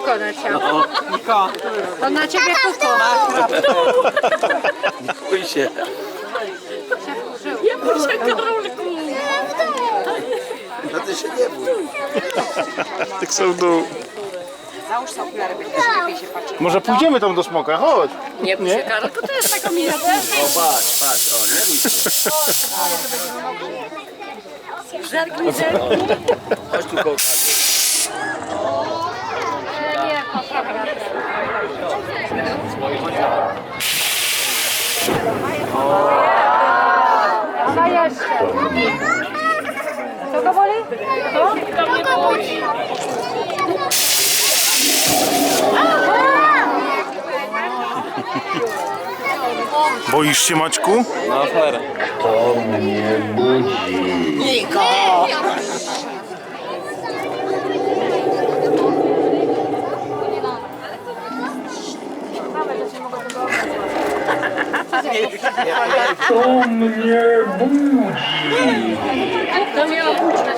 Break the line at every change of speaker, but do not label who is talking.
kuko na ciebie.
Niko.
To na ciebie kuko.
Nie bój się.
Nie bój się, Karolku.
No ty się nie bój.
Tak są w dół.
Załóż sobie okulary, będziesz lepiej się patrzeć.
Może pójdziemy tam do smoka, chodź.
Nie bój się, Karolku, to jest taka mina.
O patrz, patrz, o nie bój się.
Zerknij, zerknij.
Chodź tu kołka.
Nie, poprawa. A jeszcze. Co go boli?
Boisz się, Maćku?
No cholera.
To miało być.